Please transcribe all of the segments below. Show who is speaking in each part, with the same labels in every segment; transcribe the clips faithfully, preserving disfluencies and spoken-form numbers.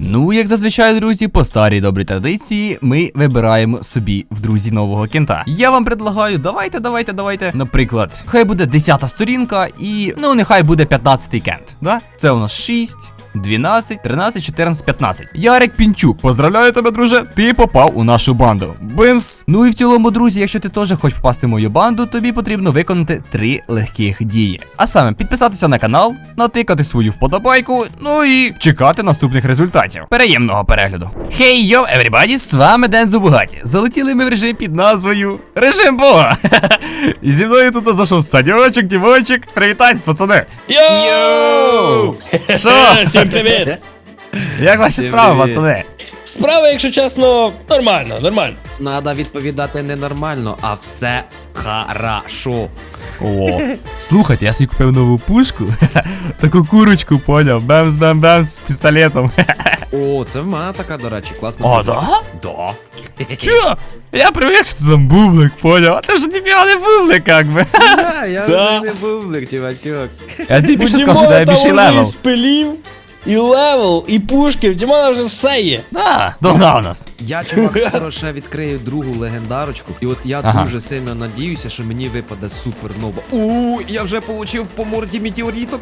Speaker 1: Ну, як зазвичай, друзі, по старій добрій традиції, ми вибираємо собі в друзі нового кента. Я вам предлагаю, давайте, давайте, давайте. Наприклад, хай буде десята сторінка і, ну, нехай буде п'ятнадцятий кент. Да? Це у нас шість. дванадцять, тринадцять, чотирнадцять, п'ятнадцять. Ярик Пінчук, поздравляю тебе, друже, ти попав у нашу банду. Бимс! Ну і в цілому, друзі, якщо ти теж хочеш попасти в мою банду, тобі потрібно виконати три легких дії. А саме, підписатися на канал, натикати свою вподобайку, ну і чекати наступних результатів. Переємного перегляду. Хей, йоу, everybody, з вами Дензо Бугаті. Залетіли ми в режим під назвою Режим Бога. І зі мною тут зайшов Саньочок, Дімончик. Привітайтесь, пацани.
Speaker 2: Йоу!
Speaker 1: Що?
Speaker 2: Всім привіт!
Speaker 1: Як ваші справи, пацани?
Speaker 2: Справа, якщо чесно, нормально, нормально.
Speaker 3: Надо відповідати не нормально, а все хорошо.
Speaker 1: О, слухайте, я собі купив нову пушку. Таку курочку, поняв. Бемс-бем-бемс з пістолетом.
Speaker 3: О, це в мене така, до речі, класна
Speaker 1: О,
Speaker 3: пушка.
Speaker 1: да?
Speaker 3: Да.
Speaker 1: Чо? Я привик, що там бублик, поняв. А ти ж ніфіга не бублик, як би.
Speaker 3: Да, я
Speaker 2: Да.
Speaker 3: вже не бублик, чувачок.
Speaker 1: Я тобі більше
Speaker 2: У
Speaker 1: скажу, що
Speaker 2: Дімона
Speaker 1: тебе більший
Speaker 2: там вже
Speaker 1: левел.
Speaker 2: і спилів, і левел, і пушки, в Дімона вже все є.
Speaker 1: Да, догнав нас.
Speaker 3: Я, чувак, скоро ще відкрию другу легендарочку. І от я
Speaker 1: Ага.
Speaker 3: дуже сильно надіюся, що мені випаде супернова. У, я вже получив по морді метеоритом.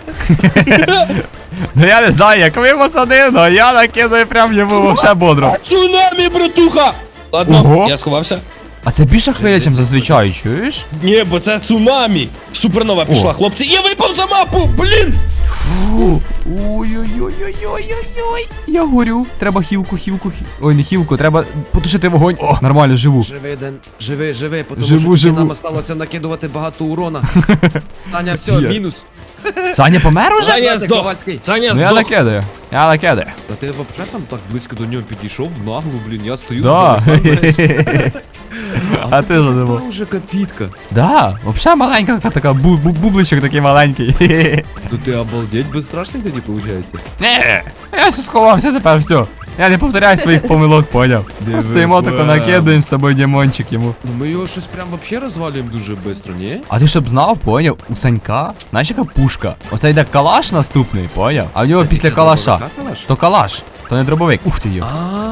Speaker 1: Ну я не знаю, як ви, пацани, але я накидаю прям йому вообще бодро.
Speaker 2: Цунамі, братуха! Ладно,
Speaker 1: Ого.
Speaker 2: я сховався.
Speaker 1: А це більша хвиля, ніж зазвичай, чуєш?
Speaker 2: Ні, бо це цунамі. Супернова пішла,
Speaker 1: О.
Speaker 2: хлопці. Я випав за мапу, блін!
Speaker 1: Фу. Ой-ой-ой-ой-ой-ой-ой. Я горю. Треба хілку, хілку, хі- Ой, не хілку, треба потушити вогонь. О, нормально, живу.
Speaker 3: Живи, Ден, живи, живи, тому
Speaker 1: Живу,
Speaker 3: що тільки
Speaker 1: живу.
Speaker 3: нам осталося накидувати багато урона. Таня, все,
Speaker 1: Є.
Speaker 3: мінус.
Speaker 1: Саня помер уже?
Speaker 2: Саня
Speaker 3: Знаєте,
Speaker 2: здох.
Speaker 3: Ковальський.
Speaker 2: Саня
Speaker 1: Ну я
Speaker 2: здох.
Speaker 1: накидаю. Я накидаю.
Speaker 3: Та ти взагалі там так близько до нього підійшов, в наглу, блін, я стою
Speaker 1: Да.
Speaker 3: здалека, знаєш.
Speaker 1: А ти що думав?
Speaker 3: Та вже капітка.
Speaker 1: Да, вообще маленька така, бу бу бубличок такий маленький.
Speaker 3: Ну ти обалдеть безстрашний тоді, виходить?
Speaker 1: Не, я все сховався тепер, все. Я не повторяю своїх помилок, поняв.
Speaker 3: Диви,
Speaker 1: Стоїмо тако
Speaker 3: бам.
Speaker 1: накидаємо з тобою Дімончик йому.
Speaker 3: Ну ми його щось прям вообще розвалюємо дуже швидко, ні?
Speaker 1: А ти щоб знав, поняв, у Санька, знаєш яка пушка? Оце йде калаш наступний, поняв? А в нього
Speaker 3: Це
Speaker 1: після
Speaker 3: після
Speaker 1: калаша.
Speaker 3: дробовика калаш?
Speaker 1: То калаш, то не дробовик. Ух ти йо.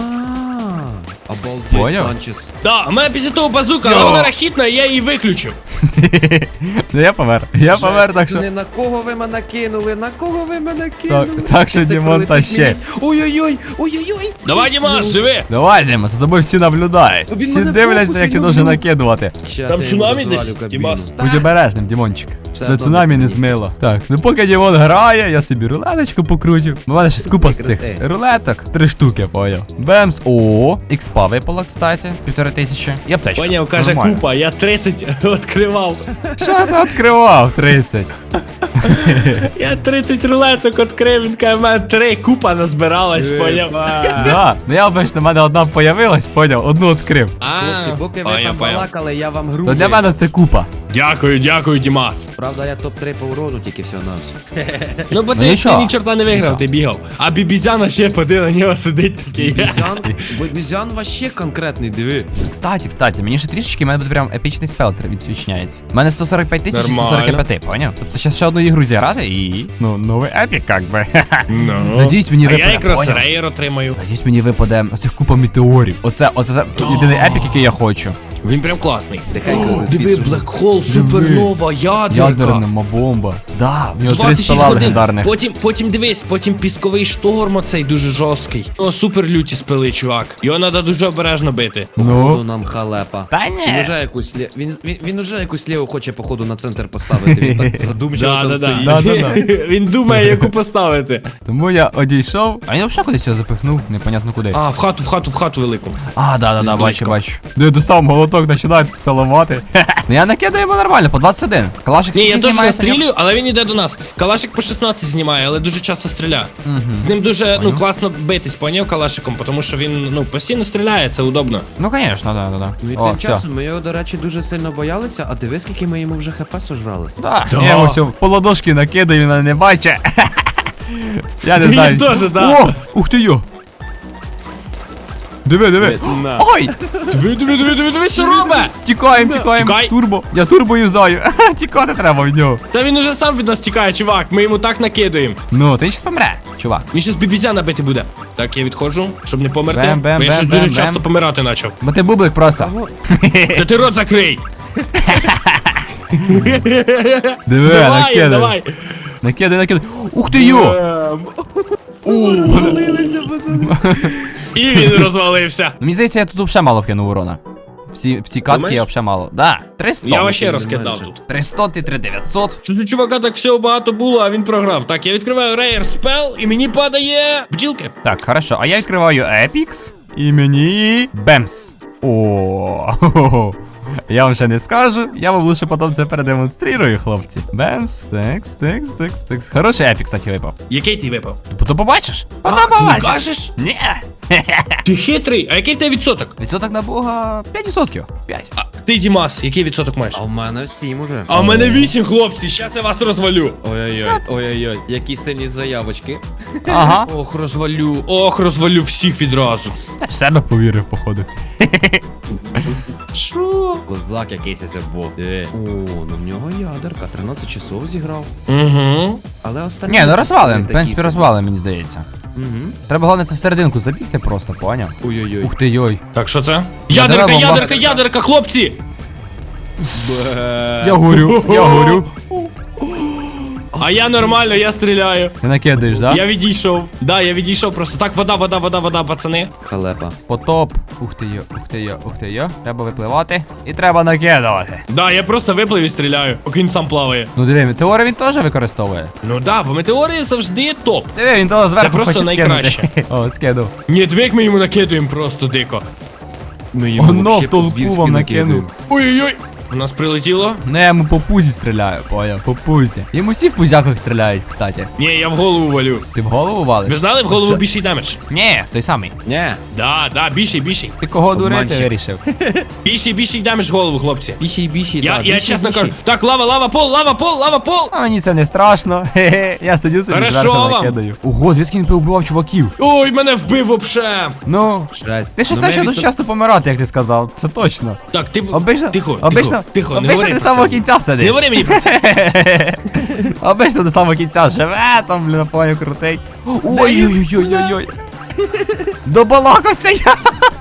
Speaker 3: А, обалдеть,
Speaker 1: Поняв?
Speaker 3: Санчес.
Speaker 2: Да, у мене після того базука,
Speaker 1: Йо.
Speaker 2: але вона рахітна, і я її виключив.
Speaker 1: Ну я помер. Я
Speaker 3: Жесть,
Speaker 1: помер, так що.
Speaker 3: пацани, на кого ви мене кинули? На кого ви мене
Speaker 1: Так,
Speaker 3: кинули?
Speaker 1: так що
Speaker 3: Щас як
Speaker 1: Дімон та
Speaker 3: прилетить
Speaker 1: ще.
Speaker 3: мені. Ой-ой-ой, ой-ой-ой.
Speaker 2: Давай, Дімаш, живи!
Speaker 1: Давай, Дима, за тобою всі наблюдають.
Speaker 3: Він
Speaker 1: Всі
Speaker 3: мене в
Speaker 1: дивляться,
Speaker 3: фокусі
Speaker 1: як ти
Speaker 3: люблю.
Speaker 1: дуже накидувати.
Speaker 3: Щас
Speaker 2: Там
Speaker 3: я йому
Speaker 2: цунамі
Speaker 3: розвалю
Speaker 2: десь,
Speaker 3: кабіну.
Speaker 2: Дімас?
Speaker 1: Будь обережним, Дімончик.
Speaker 3: Це
Speaker 1: До
Speaker 3: добре,
Speaker 1: цунамі не
Speaker 3: друзі.
Speaker 1: змило. Так, ну поки Дімон грає, я собі рулеточку покрутив. У мене ще купа з цих
Speaker 3: Крути.
Speaker 1: рулеток. Три штуки, поняв. Бемс. О, ікспа випала, кстати. Півтори тисячі. І аптечка.
Speaker 2: Поняв, каже
Speaker 1: Нормально.
Speaker 2: купа, я тридцять відкривав.
Speaker 1: Що ти відкривав? тридцять.
Speaker 2: Я тридцять рулеток відкрив, він каже, в мене три купа назбиралась, поняв.
Speaker 1: Да. Ну я обично, в мене одна появилась, поняв, одну відкрив.
Speaker 3: Хлопці, поки ви там балакали, я вам гру.
Speaker 1: То для мене це купа.
Speaker 2: Дякую, дякую, Дімас.
Speaker 3: Правда, я топ три по урону тільки всього на все.
Speaker 2: Ну, бо
Speaker 1: Ну,
Speaker 2: ти,
Speaker 1: нічого.
Speaker 2: ти ні чорта не виграв,
Speaker 1: Нічого.
Speaker 2: ти бігав. А бібізяна ще поди на нього сидить такий.
Speaker 3: Бізян, Бізян вообще конкретний, диви.
Speaker 1: Кстати, кстати, мені ще трішечки, в мене буде прям епічний спел тр- відчиняється. У мене сто сорок п'ять тисяч і сто сорок п'ять, поняв? Тобто зараз ще одну ігру зіграти і, ну, новий епік, як би.
Speaker 2: Ну.
Speaker 1: Надіюсь, мені
Speaker 2: А я
Speaker 1: випаде,
Speaker 2: якраз
Speaker 1: поняв?
Speaker 2: рейер отримаю.
Speaker 1: Надіюсь, мені випаде оцих купа метеорів. Оце, оце єдиний епік, який я хочу.
Speaker 2: Він прям класний.
Speaker 3: Дихай,
Speaker 2: Диви, Блекхол, супернова, ядерка.
Speaker 1: Ядерна бомба. Да, в нього три
Speaker 2: двадцять шість
Speaker 1: спела
Speaker 2: годин.
Speaker 1: легендарних.
Speaker 2: Потім, потім дивись, потім пісковий шторм оцей дуже жорсткий. О, супер люті спили, чувак. Його треба дуже обережно бити.
Speaker 3: Походу
Speaker 1: Ну,
Speaker 3: нам халепа.
Speaker 1: та
Speaker 3: Він
Speaker 1: ні.
Speaker 3: уже якусь лє... він, він, він уже якусь ліву хоче, походу, на центр поставити. Він так задумчиво
Speaker 2: Да,
Speaker 3: там
Speaker 2: да, да.
Speaker 3: стоїть.
Speaker 1: Да, да, да.
Speaker 2: Він думає, яку поставити.
Speaker 1: Тому я одійшов. А він взагалі кудись його запихнув, непонятно куди.
Speaker 2: А, в хату, в хату, в хату велику.
Speaker 1: А, да, да, да,
Speaker 2: Десь
Speaker 1: бачу,
Speaker 2: близько.
Speaker 1: бачу. Ну я достав молоток, починаю тут салувати. Ну я накидаю йому нормально, по двадцять один. Калашик
Speaker 2: Ні, я
Speaker 1: скільки
Speaker 2: теж
Speaker 1: знімає, Саня?
Speaker 2: настрілюю, але він іде до нас. Калашик по шістнадцять знімає, але дуже часто стріляє. З ним дуже ну класно битись, поняв, калашиком, тому що він ну постійно стріляє, це удобно.
Speaker 1: Ну, звісно, да, да, да.
Speaker 3: Ну і
Speaker 1: О,
Speaker 3: тим
Speaker 1: все.
Speaker 3: часом ми його, до речі, дуже сильно боялися, а диви, скільки ми йому вже хп сожрали.
Speaker 1: Да,
Speaker 2: Да.
Speaker 1: я йому все по ладошки накидаю, він мене не бачить. Я не
Speaker 2: Я
Speaker 1: знаю.
Speaker 2: теж, да.
Speaker 1: О, ух ти йо. Диви, диви.
Speaker 3: На.
Speaker 1: Ой!
Speaker 2: Диви, диви, диви, диви, диви, що робить?
Speaker 1: Тікаємо, тікаємо.
Speaker 2: Тікай.
Speaker 1: Турбо. Я турбо юзаю. Тікати треба від нього.
Speaker 2: Та він уже сам від нас тікає, чувак, ми йому так накидуємо.
Speaker 1: Ну, ти щас помре, чувак.
Speaker 2: Він щас бібізя набити буде. Так, я відходжу, щоб не померти.
Speaker 1: Бем, бем,
Speaker 2: Бо я
Speaker 1: бем,
Speaker 2: щось
Speaker 1: бем,
Speaker 2: дуже
Speaker 1: бем.
Speaker 2: часто помирати почав.
Speaker 1: Бо ти бублик просто.
Speaker 2: Та ти рот закрий!
Speaker 1: Диви,
Speaker 2: Давай,
Speaker 1: накидай.
Speaker 2: давай!
Speaker 1: Накидай, накидай. Ух ти йо!
Speaker 3: Завалилися, пацани.
Speaker 2: І він розвалився.
Speaker 1: Ну, мені здається, я тут взагалі мало вкинув урона. Всі, всі катки я
Speaker 2: Думаєш?
Speaker 1: взагалі мало. Да, триста.
Speaker 2: Я вообще
Speaker 3: не
Speaker 2: розкидав
Speaker 3: менше.
Speaker 2: тут.
Speaker 1: триста і три дев'ятсот.
Speaker 2: Що у чувака так всього багато було, а він програв. Так, я відкриваю Rare Spell і мені падає бджілки.
Speaker 1: Так, хорошо, а я відкриваю Epix і мені Бемс. О, хо-хо-хо. Я вам ще не скажу, я вам лише потім це передемонструю, хлопці. Бемс, текс, текс, текс, текс. Хороший епік, кстати, випав.
Speaker 2: Який ти випав?
Speaker 1: То побачиш?
Speaker 2: А,
Speaker 1: Потім
Speaker 2: ти не
Speaker 1: побачиш.
Speaker 2: кажеш?
Speaker 1: Ні.
Speaker 2: Ти хитрий, а який в тебе відсоток?
Speaker 1: Відсоток на Бога п'ять відсотків. п'ять.
Speaker 2: А ти, Дімас, який відсоток маєш?
Speaker 3: А в мене сім уже.
Speaker 2: А в мене вісім, хлопці, щас я вас розвалю.
Speaker 3: Ой-ой-ой, ой-ой-ой, які сильні заявочки.
Speaker 1: Ага.
Speaker 2: Ох, розвалю, ох, розвалю всіх відразу.
Speaker 1: Та в себе повірив, походу.
Speaker 2: Що?
Speaker 3: Козак якийсь ось був. Диви. О, ну в нього ядерка, тринадцять часов зіграв.
Speaker 2: Угу.
Speaker 3: Але останні...
Speaker 1: Ні, ну розвалим, в
Speaker 3: такі
Speaker 1: принципі,
Speaker 3: собі.
Speaker 1: розвалим, мені здається.
Speaker 3: Мгм.
Speaker 1: Треба головне це в серединку забігти просто, поняв?
Speaker 3: Ой-ой-ой.
Speaker 1: Ух ти йой.
Speaker 2: Так, що це?
Speaker 1: Ядерна
Speaker 2: Ядерка,
Speaker 1: бомба.
Speaker 2: ядерка, ядерка, хлопці!
Speaker 3: Бе.
Speaker 1: Я горю, я горю.
Speaker 2: А я нормально, я стріляю.
Speaker 1: Ти накидаєш, да?
Speaker 2: Я відійшов. Да, я відійшов просто. Так, вода, вода, вода, вода, пацани.
Speaker 3: Халепа.
Speaker 1: Потоп. Ух ти йо, ух ти йо, ух ти йо. Треба випливати. І треба накидувати.
Speaker 2: Да, я просто виплив і стріляю, поки він сам плаває.
Speaker 1: Ну диви, метеори він теж використовує.
Speaker 2: Ну да, бо метеорія завжди топ.
Speaker 1: Диви, він того зверху
Speaker 2: просто
Speaker 1: хоче
Speaker 2: найкраще.
Speaker 1: скинути. О, скинув.
Speaker 2: Ні, двік ми йому накидуємо просто дико.
Speaker 3: Ми йому
Speaker 1: Оно
Speaker 3: вообще
Speaker 1: в толпу
Speaker 3: по-звірськи
Speaker 1: вам
Speaker 3: накидаємо.
Speaker 1: накинув.
Speaker 2: Ой-ой-ой. В нас прилетіло.
Speaker 1: Ну я йому по пузі стріляю, поняв, по пузі. Йому всі в пузяках стріляють, кстати.
Speaker 2: Ні, я в голову валю.
Speaker 1: Ти в голову валиш?
Speaker 2: Ви знали, в голову
Speaker 1: Це-
Speaker 2: більший демедж?
Speaker 1: Ні, той самий.
Speaker 3: Ні.
Speaker 2: Да, да, більший, більший.
Speaker 1: Ти кого дурити
Speaker 3: Обманщик.
Speaker 1: вирішив?
Speaker 2: Більший, більший демедж в голову, хлопці.
Speaker 3: Біші, біші,
Speaker 2: Я,
Speaker 3: да,
Speaker 2: я
Speaker 3: біші,
Speaker 2: чесно
Speaker 3: біші.
Speaker 2: кажу. Так, лава, лава, пол, лава, пол, лава, пол.
Speaker 1: А мені це не страшно. Хе-хе. Я сидю собі
Speaker 2: Хорошо
Speaker 1: зверху
Speaker 2: вам.
Speaker 1: накидаю. Ого, звідки він повбивав чуваків.
Speaker 2: Ой, мене вбив вообще.
Speaker 1: Ну,
Speaker 3: Жесть.
Speaker 1: ти щось
Speaker 3: Ну, ми
Speaker 1: почав
Speaker 3: від-
Speaker 1: дуже часто помирати, як ти сказав. Це точно.
Speaker 2: Так, ти...
Speaker 1: Обично,
Speaker 2: Тихо,
Speaker 1: обично,
Speaker 2: тихо, тихо, не
Speaker 1: обично
Speaker 2: говори
Speaker 1: до
Speaker 2: про
Speaker 1: самого
Speaker 2: це.
Speaker 1: кінця сидиш.
Speaker 2: Не говори мені про це.
Speaker 1: Обично до самого кінця живе, там, блін, поняв, крутий. Ой-ой-ой-ой-ой. Добалакався я.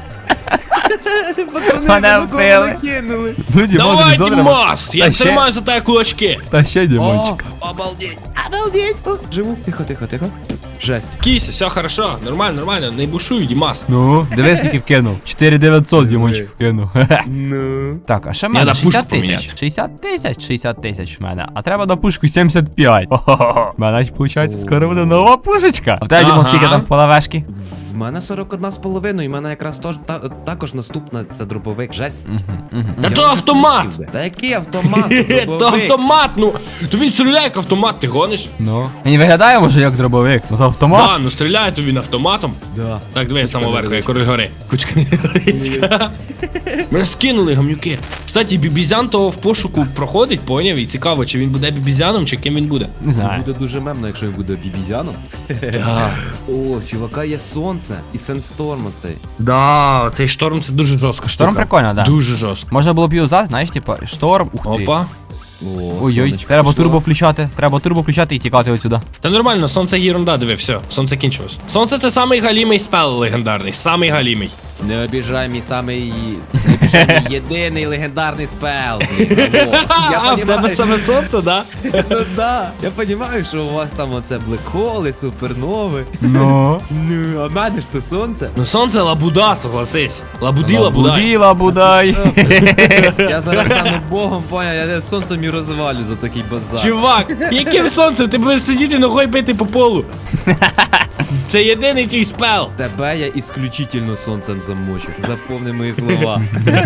Speaker 3: Пацани,
Speaker 1: Мене
Speaker 3: ви на кого
Speaker 1: вбили.
Speaker 3: накинули?
Speaker 1: Ну, Дімон,
Speaker 2: Давай,
Speaker 1: тобі зо треба.
Speaker 2: Дімас, я
Speaker 1: Та ще-
Speaker 2: тримаю за тебе кулачки.
Speaker 1: Та ще, Дімончик.
Speaker 3: О, обалдеть, обалдеть. О, живу. Тихо, тихо, тихо. Жесть.
Speaker 2: Кіся, все хорошо, нормально, нормально, не бушуй, Дімас.
Speaker 1: Ну, дивись, скільки вкинув. чотири дев'ятсот, Дімончик, вкинув.
Speaker 3: Ну.
Speaker 1: Так, а що в
Speaker 2: Я
Speaker 1: мене?
Speaker 2: на пушку
Speaker 1: шістдесят тисяч.
Speaker 2: поміняти.
Speaker 1: шістдесят тисяч, шістдесят тисяч в мене. А треба на пушку сімдесят п'ять. Хо-хо-хо. У мене, виходить, скоро буде нова пушечка. А в тебе, Дімон,
Speaker 2: Ага.
Speaker 1: скільки там половешки?
Speaker 3: В мене сорок одна з половиною, і в мене якраз тож, та, також наступна це дробовик. Жесть.
Speaker 2: Та
Speaker 3: Я
Speaker 2: то
Speaker 3: вже
Speaker 2: автомат.
Speaker 3: полетів би. Та який автомат?
Speaker 2: Хе,
Speaker 3: Дробовик.
Speaker 2: то автомат, ну. То він стріляє як автомат, ти гониш?
Speaker 1: Ну. Він виглядає, може, як дробовик. Ну, це автомат.
Speaker 2: Да, ну стріляє то він автоматом.
Speaker 3: Да.
Speaker 2: Так, диви, самого верху, я
Speaker 3: невеличка.
Speaker 2: король гори. Кучка невеличка. Мене скинули гамнюки. Кстати, бібізян того в пошуку проходить, поняв? І цікаво, чи він буде бібізяном, чи ким він буде.
Speaker 1: Не знаю.
Speaker 3: Буде дуже мемно, якщо він буде бібізяном.
Speaker 2: Да.
Speaker 3: О, чувака є сонце і сенсторм оцей.
Speaker 2: Да, цей шторм це дуже жорстка штука.
Speaker 1: Шторм прикольно, да.
Speaker 2: Дуже жорстко.
Speaker 1: Можна було б юзати, знаєш, типа, шторм, ух ти.
Speaker 2: Опа.
Speaker 3: О,
Speaker 1: Ой-ой,
Speaker 3: сонечко
Speaker 1: треба
Speaker 3: пішло.
Speaker 1: турбо включати, треба турбо включати і тікати отсюда.
Speaker 2: Та нормально, сонце єрунда, диви, все, сонце кінчилось. Сонце це самий галімий спел легендарний, самий галімий.
Speaker 3: Не обіжай мій самий, не обіжай мій єдиний легендарний спел. блін, алло. Я
Speaker 2: А, в тебе
Speaker 3: понімаю,
Speaker 2: саме сонце, да?
Speaker 3: ну да. Я розумію, що у вас там оце блекхоли, супернови.
Speaker 1: Ну.
Speaker 3: Ну, а в мене ж то сонце.
Speaker 2: Ну сонце лабуда, согласись. Лабуді, лабудай.
Speaker 1: Буділа, будай.
Speaker 3: Що ти? Я зараз стану богом, поняв, я сонцем і розвалю за такий базар.
Speaker 2: Чувак, яким сонцем? Ти будеш сидіти ногою бити по полу. Це єдиний твій спел.
Speaker 3: Тебе я ісключительно сонцем замочу. Запомни мої слова.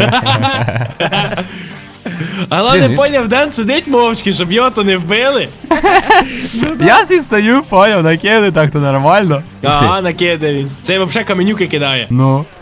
Speaker 2: А головне,
Speaker 1: Блін,
Speaker 2: поняв, Ден сидить мовчки, щоб його то не вбили.
Speaker 1: Я сі стою, поняв, накиду, так то нормально. Ух ти.
Speaker 2: Ага, накидає він. Це взагалі каменюки кидає.
Speaker 1: Ну.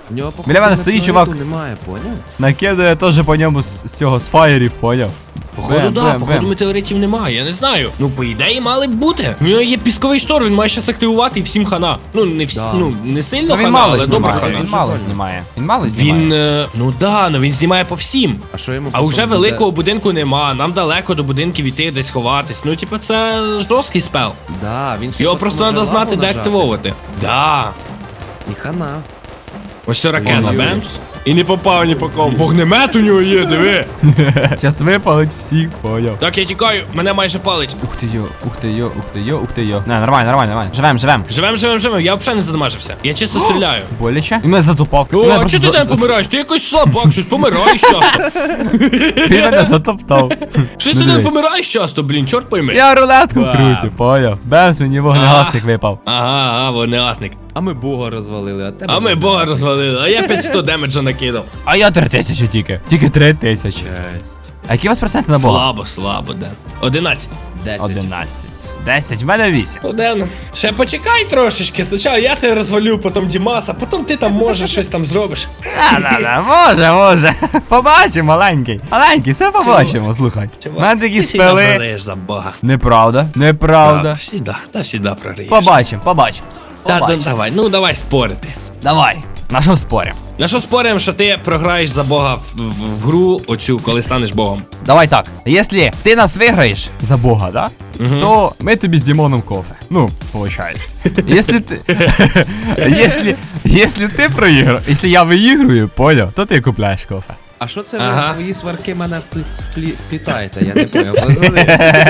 Speaker 3: У нього, походу,
Speaker 1: Біля мене стоїть
Speaker 3: метеориту
Speaker 1: чувак.
Speaker 3: Немає, поняв?
Speaker 1: Накидає теж по ньому з, з цього, з фаєрів, поняв?
Speaker 2: Походу,
Speaker 1: Бем,
Speaker 2: да,
Speaker 1: бем,
Speaker 2: походу
Speaker 1: бем.
Speaker 2: метеоритів немає, я не знаю. Ну, по ідеї, мали б бути. У нього є пісковий штор, він має щас активувати і всім хана. Ну, не всі,
Speaker 3: Да.
Speaker 2: ну, не сильно
Speaker 1: Ну він
Speaker 2: хана,
Speaker 1: мало
Speaker 2: але добре
Speaker 1: знімає,
Speaker 2: хана.
Speaker 1: він мало знімає. Він мало знімає.
Speaker 2: Він, е, ну да, ну він знімає по всім.
Speaker 3: А що йому
Speaker 2: А
Speaker 3: потім
Speaker 2: уже
Speaker 3: буде?
Speaker 2: великого будинку нема, нам далеко до будинків іти, десь ховатись. Ну, типа, це жорсткий спел.
Speaker 3: Да, він ще
Speaker 2: Його
Speaker 3: потім
Speaker 2: просто
Speaker 3: може
Speaker 2: треба знати,
Speaker 3: лаву
Speaker 2: де
Speaker 3: нажати.
Speaker 2: активовувати. Да.
Speaker 3: І хана.
Speaker 2: Ось це ракета,
Speaker 3: Ой-ой-ой.
Speaker 2: бемс. І не попав ні по кому. Вогнемет у нього є, диви.
Speaker 1: Щас випалить всіх, поняв.
Speaker 2: Так, я тікаю, мене майже палить.
Speaker 1: Ух ти йо, ух ти йо, ух ти йо, ух ти йо. Не, нормально, нормально, нормально. Живем, живем.
Speaker 2: Живем, живем, живем, я взагалі не задамажився. Я чисто стріляю.
Speaker 1: Боляче? І мене затупав.
Speaker 2: О,
Speaker 1: Мене
Speaker 2: а
Speaker 1: просто
Speaker 2: чого ти
Speaker 1: за-
Speaker 2: тебе
Speaker 1: за-
Speaker 2: помираєш? Ти якось слабак, щось помираєш часто.
Speaker 1: Він мене затоптав.
Speaker 2: Щось
Speaker 1: Ну,
Speaker 2: ти не
Speaker 1: дивись.
Speaker 2: помираєш часто, блін, чорт пойми.
Speaker 1: Я рулетку
Speaker 2: Вау.
Speaker 1: крутю, поняв. Бемс, мені вогнегасник випав.
Speaker 2: Ага, ага, вогнегасник.
Speaker 3: А ми бога розвалили, а тебе...
Speaker 2: А ми бога розвалили, а я п'ятсот демеджа накидав.
Speaker 1: А я три тисячі тільки. Тільки три тисячі.
Speaker 3: Жесть.
Speaker 1: А які у вас проценти на бога?
Speaker 2: Слабо, слабо, да. Одинадцять.
Speaker 3: Десять.
Speaker 1: Одинадцять. Десять, в мене вісім.
Speaker 2: Один. Ще почекай трошечки. Спочатку я тебе розвалю, потім Дімаса, потім ти там можеш щось там зробиш.
Speaker 1: Да-да-да, може, може. Побачимо, маленький. Маленький, все побачимо, слухай. У мене такі
Speaker 2: Ти всегда
Speaker 1: спели.
Speaker 2: прорієш за бога.
Speaker 1: Неправда,
Speaker 2: Да,
Speaker 1: неправда.
Speaker 2: всегда, та всегда прорієш.
Speaker 1: Побачимо, побачимо.
Speaker 2: Та, да,
Speaker 1: Побачимо.
Speaker 2: давай, ну давай спорити.
Speaker 1: Давай, на що спорим?
Speaker 2: На що споримо, що ти програєш за бога в, в, в гру оцю, коли станеш богом?
Speaker 1: Давай так, якщо ти нас виграєш за Бога, да? То ми тобі з Дімоном кофе. Ну, получается. Если ти... Если... Если ти проіграв, якщо я виіграю, поняв, то ти купляєш кофе.
Speaker 3: А що це ви
Speaker 2: Ага.
Speaker 3: в свої сварки мене вплі- вплі- вплітаєте? Я не поняв. Пацани.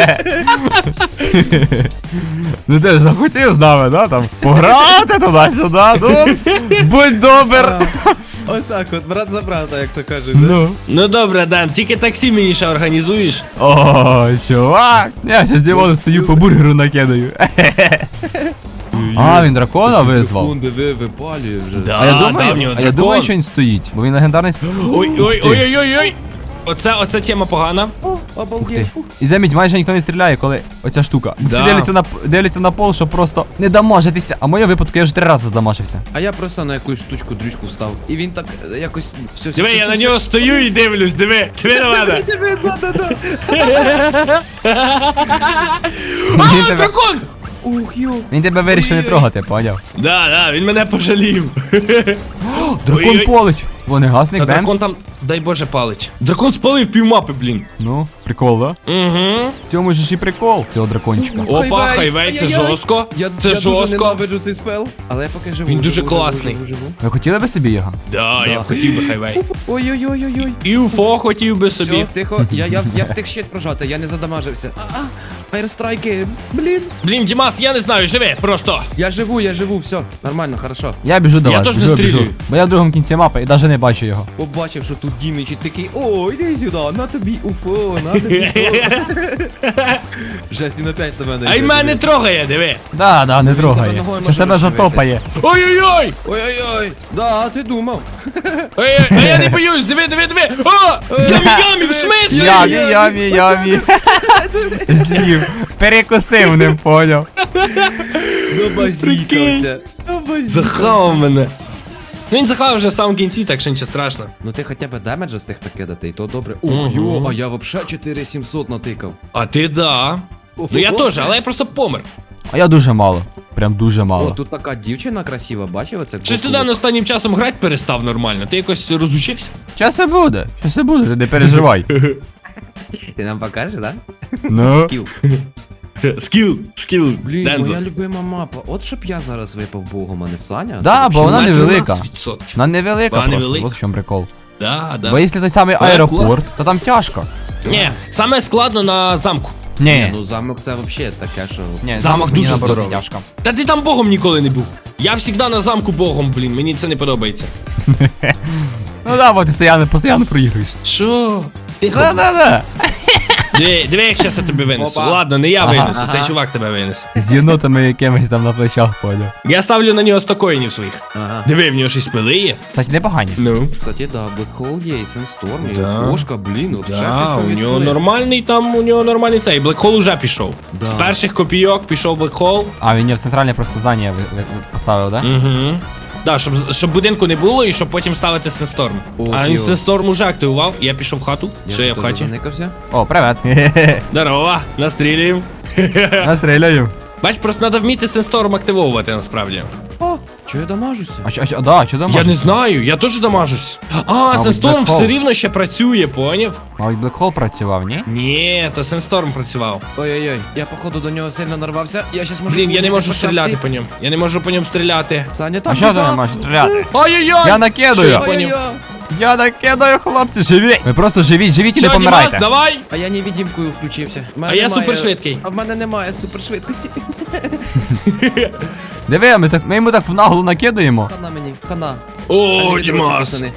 Speaker 1: Ну ти ж захотів з нами, да? Там пограти туди-сюди, ну, будь добр.
Speaker 3: Отак от, брат за брата, як то кажуть. да?
Speaker 1: Ну.
Speaker 2: Ну добре, Дан, тільки таксі мені ще організуєш.
Speaker 1: О, чувак. Я ще з Дімоном стою по бургеру накидаю. А, він дракона визвав.
Speaker 3: Секунди, ви випалює вже.
Speaker 2: Да.
Speaker 1: А я
Speaker 2: да, в
Speaker 1: думаю,
Speaker 2: нього
Speaker 1: а я
Speaker 2: дракон.
Speaker 1: думаю, що він стоїть, бо він легендарний сп...
Speaker 2: Ой, ой, ой, ой, ой, ой. Оце, оце тема погана.
Speaker 3: О,
Speaker 1: Ух ти.
Speaker 3: обалдеть. Ух.
Speaker 1: І заміть, майже ніхто не стріляє, коли оця штука. Всі
Speaker 2: Да.
Speaker 1: дивляться на, дивляться на пол, щоб просто не дамажитися. А в моєму випадку я вже три рази здамажився.
Speaker 3: А я просто на якусь штучку дрючку встав. І він так е, якось все.
Speaker 2: Диви, я на нього стою і дивлюсь, диви, диви на мене.
Speaker 1: Він
Speaker 2: А,
Speaker 1: тебе,
Speaker 2: дракон!
Speaker 3: Ух, йо.
Speaker 1: він тебе вирішив не
Speaker 3: Ой-ой.
Speaker 1: трогати, поняв?
Speaker 2: Да, да, він мене пожалів.
Speaker 1: Дракон
Speaker 2: Ой-ой.
Speaker 1: полить. Вогнегасник,
Speaker 2: Та
Speaker 1: Бемс.
Speaker 2: дракон там, дай Боже, палить. Дракон спалив півмапи, блін.
Speaker 1: Ну, прикол, да?
Speaker 2: Угу.
Speaker 1: В цьому ж і прикол цього дракончика.
Speaker 2: Опа, хайвей, це
Speaker 3: Ай-яй-яй.
Speaker 2: жорстко.
Speaker 3: Я,
Speaker 2: Це
Speaker 3: я дуже
Speaker 2: жорстко.
Speaker 3: ненавиджу цей спел, але я поки живу.
Speaker 2: Він дуже
Speaker 3: живу,
Speaker 2: класний.
Speaker 3: Живу, живу, живу.
Speaker 1: Ви хотіли би собі його?
Speaker 2: Да, я
Speaker 3: Да.
Speaker 2: б хотів би хайвей.
Speaker 3: Ой-ой-ой-ой-ой.
Speaker 2: І уфо хотів би собі.
Speaker 3: Все, тихо, я, я, я встиг щит прожати, я не задамажився. А-а, айрстрайки, блін.
Speaker 2: Блін, Дімас, я не знаю, живи, просто.
Speaker 3: Я живу, я живу, все, нормально, хорошо.
Speaker 1: Я біжу до
Speaker 2: Я
Speaker 1: вас,
Speaker 2: теж не
Speaker 1: біжу, біжу.
Speaker 2: стрілюю.
Speaker 1: Бо я в другому кінці мапи і навіть не бачу його.
Speaker 3: Побачив, що тут Діміч і такий, о, іди сюди, на тобі уфо, на тобі уфо. Жесть, він опять на мене.
Speaker 2: А й
Speaker 3: йде,
Speaker 2: мене
Speaker 3: диви.
Speaker 2: трогає, диви.
Speaker 1: Да, да, не
Speaker 3: тебе
Speaker 1: трогає.
Speaker 3: ногою
Speaker 1: Щас
Speaker 3: може
Speaker 1: тебе
Speaker 3: розшивити.
Speaker 1: затопає.
Speaker 2: Ой-ой-ой!
Speaker 3: Ой-ой-ой, да, а ти думав.
Speaker 2: Ой, а я не боюсь, диви, диви, диви. О! Ямі, ямі, в смислі?
Speaker 1: Ямі, ямі, ямі. З'їв. Перекусив ним, поняв.
Speaker 3: Добазікався.
Speaker 2: Захавав мене. Ну він захавав вже в самому кінці, так що нічого страшного.
Speaker 3: Ну ти хоча б демеджа встиг накидати, і то добре. Ох, йо, а я вообще чотири сімсот натикав.
Speaker 2: А ти да. Ну я теж, але я просто помер.
Speaker 1: А я дуже мало. Прям дуже
Speaker 3: О,
Speaker 1: мало.
Speaker 3: тут така дівчина красива, бачив оце?
Speaker 2: Щось ти Дан останнім часом грати перестав нормально, ти якось розучився?
Speaker 1: Щас і буде. Щас і буде, ти не переживай.
Speaker 3: Ти нам покажеш, да?
Speaker 1: Ну.
Speaker 3: Скіл.
Speaker 2: Скіл, скіл,
Speaker 3: Блін,
Speaker 2: Дензо.
Speaker 3: моя любима мапа. От щоб я зараз випав богом, а не Саня.
Speaker 1: Да,
Speaker 3: Це
Speaker 1: бо вона
Speaker 2: На
Speaker 1: невелика.
Speaker 2: дванадцять відсотків.
Speaker 1: Вона невелика
Speaker 2: Вона
Speaker 1: просто,
Speaker 2: невелика.
Speaker 1: от в чому прикол.
Speaker 2: Да, да.
Speaker 1: Бо якщо той самий
Speaker 2: Вона
Speaker 1: аеропорт,
Speaker 2: класна.
Speaker 1: то там тяжко.
Speaker 2: Ні, саме складно на замку.
Speaker 1: Ні,
Speaker 3: Ну замок це взагалі таке, що.
Speaker 1: ні,
Speaker 2: замок
Speaker 1: замок
Speaker 2: дуже
Speaker 1: дуже наоборот
Speaker 2: здоровий.
Speaker 1: тяжко.
Speaker 2: Та ти там богом ніколи не був. Я завжди на замку богом, блін, мені це не подобається.
Speaker 1: Ну да, бо ти постійно, постійно проігруєш.
Speaker 2: Що? Тихо.
Speaker 1: Да-да-да.
Speaker 2: Диви, диви, як щас я тебе винесу.
Speaker 3: Опа.
Speaker 2: Ладно, не я
Speaker 1: Ага,
Speaker 2: винесу,
Speaker 3: ага.
Speaker 2: цей чувак тебе винесе.
Speaker 1: З єнотами якимись там на плечах, поняв.
Speaker 2: Я ставлю на нього сто коїнів своїх.
Speaker 3: Ага.
Speaker 2: Диви, в нього щось пили є.
Speaker 1: Кстати, непогані.
Speaker 2: Ну.
Speaker 3: Кстати, да, Black Hole є, і Sandstorm, і
Speaker 2: Да.
Speaker 3: Фошка, блін, от
Speaker 2: Да, у нього нормальний там, у нього нормальний цей. Блекхол уже пішов.
Speaker 3: Да.
Speaker 2: З перших копійок пішов Блекхол.
Speaker 1: А, він не в центральне просто здання ви- ви- ви- поставив, да?
Speaker 2: Угу. Да, щоб, щоб будинку не було і щоб потім ставити Сенсторм.
Speaker 3: Ох,
Speaker 2: А він
Speaker 3: йо.
Speaker 2: Сенсторм уже активував, я пішов в хату, все, я в
Speaker 3: теж
Speaker 2: хаті.
Speaker 3: заникався.
Speaker 1: О, привет.
Speaker 2: Здорово, настрілюємо.
Speaker 1: Настріляю.
Speaker 2: Бач, просто треба вміти Сенсторм активовувати насправді.
Speaker 3: О, чого я дамажуся?
Speaker 1: А що, а що, да, що там?
Speaker 2: Я не знаю, я теж дамажусь. А, Сенсторм
Speaker 1: Black
Speaker 2: все
Speaker 1: Hole.
Speaker 2: рівно ще працює, поняв?
Speaker 1: Мабуть, Блекхол працював, ні?
Speaker 2: Ні, то Сенсторм працював.
Speaker 3: Ой-ой-ой, я походу до нього сильно нарвався. Я щас можу...
Speaker 2: Блін, я не можу
Speaker 3: по
Speaker 2: стріляти
Speaker 3: шапці.
Speaker 2: по ньому. Я не можу по ньому стріляти.
Speaker 3: Саня, там
Speaker 1: А що ти
Speaker 3: біда.
Speaker 1: не можеш стріляти?
Speaker 2: Ой-ой-ой!
Speaker 1: Я накидаю.
Speaker 2: Що я
Speaker 3: Ой-ой-ой.
Speaker 2: поняв?
Speaker 1: Я накидаю, хлопці, живіть! Ви просто живіть, живіть і не
Speaker 2: Все, Дімас,
Speaker 1: помирайте.
Speaker 2: давай!
Speaker 3: А я невидимкою включився. В мене
Speaker 2: А я
Speaker 3: немає-
Speaker 2: супершвидкий.
Speaker 3: А в мене немає супершвидкості.
Speaker 1: Диви, ми, так, ми йому так в наглу накидаємо.
Speaker 3: Хана мені, хана.
Speaker 2: О,
Speaker 3: Самі
Speaker 2: Дімас!
Speaker 3: пацани.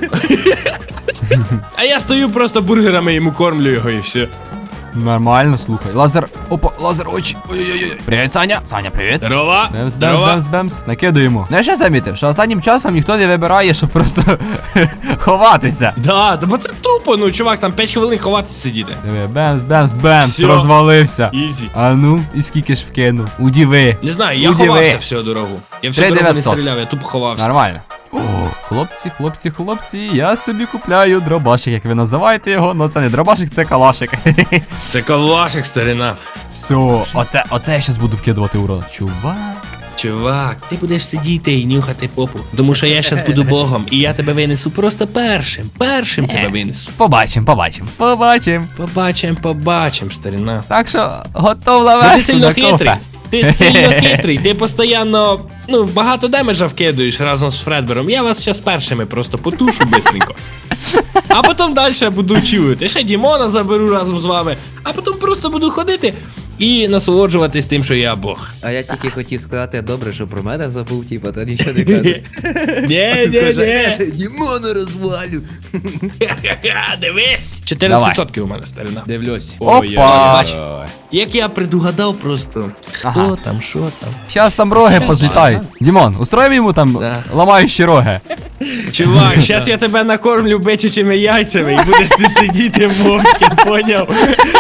Speaker 2: А я стою просто бургерами йому кормлю його і все.
Speaker 1: Нормально, слухай. Лазер, опа, лазер очі. Ой-ой-ой. Привіт, Саня. Саня, привіт.
Speaker 2: Здорово!
Speaker 1: Бемс, бемс,
Speaker 2: Здорово!
Speaker 1: бемс, бемс. Накидуємо. Ну я ще замітив, що останнім часом ніхто не вибирає, щоб просто ховатися.
Speaker 2: Да, та бо це тупо, ну чувак, там п'ять хвилин ховатися сидіти.
Speaker 1: Диви, бемс, бемс, бемс,
Speaker 2: Всьо.
Speaker 1: розвалився.
Speaker 2: Ізі.
Speaker 1: А ну, і скільки ж вкинув? Удіви.
Speaker 2: Не знаю, я
Speaker 1: Удиви.
Speaker 2: ховався всю дорогу. Я всю
Speaker 1: три
Speaker 2: дорогу не
Speaker 1: дев'ятсот.
Speaker 2: стріляв, я тупо ховався.
Speaker 1: Нормально. О, хлопці, хлопці, хлопці, я собі купляю дробашик, як ви називаєте його, ну це не дробашик, це калашик.
Speaker 2: Це калашик, старина.
Speaker 1: Все, оце, оце я щас буду вкидувати урон. Чувак.
Speaker 2: Чувак, ти будеш сидіти і нюхати попу. Тому що я щас буду богом, і я тебе винесу просто першим. Першим тебе винесу.
Speaker 1: Побачим, побачим, побачим.
Speaker 2: Побачим, побачим, старина.
Speaker 1: Так що готов
Speaker 2: Ну,
Speaker 1: лавеш
Speaker 2: ти сильно
Speaker 1: на кофе.
Speaker 2: хитрий. Ти сильно хитрий, ти постійно, ну, багато демеджа вкидуєш разом з Фредбером. Я вас зараз першими просто потушу бистренько. А потім далі буду чувати. Ще Дімона заберу разом з вами. А потім просто буду ходити і насолоджуватись тим, що я Бог.
Speaker 3: А я тільки хотів сказати, добре, що про мене забув, типа, та нічого не каже.
Speaker 2: Ні, ні, ні.
Speaker 3: Дімона розвалю.
Speaker 2: Дивись. чотирнадцять відсотків у мене, старина.
Speaker 3: Дивлюсь.
Speaker 2: Ой,
Speaker 1: Опа.
Speaker 2: бач, як я предугадав просто, хто
Speaker 1: Ага.
Speaker 2: там, що там.
Speaker 1: Щас там роги
Speaker 2: Щас,
Speaker 1: позлітають. Дімон, устроїмо йому там
Speaker 2: Да.
Speaker 1: ламаючі роги.
Speaker 2: Чувак, щас я тебе накормлю бичачими яйцями і будеш ти сидіти мовчки, поняв?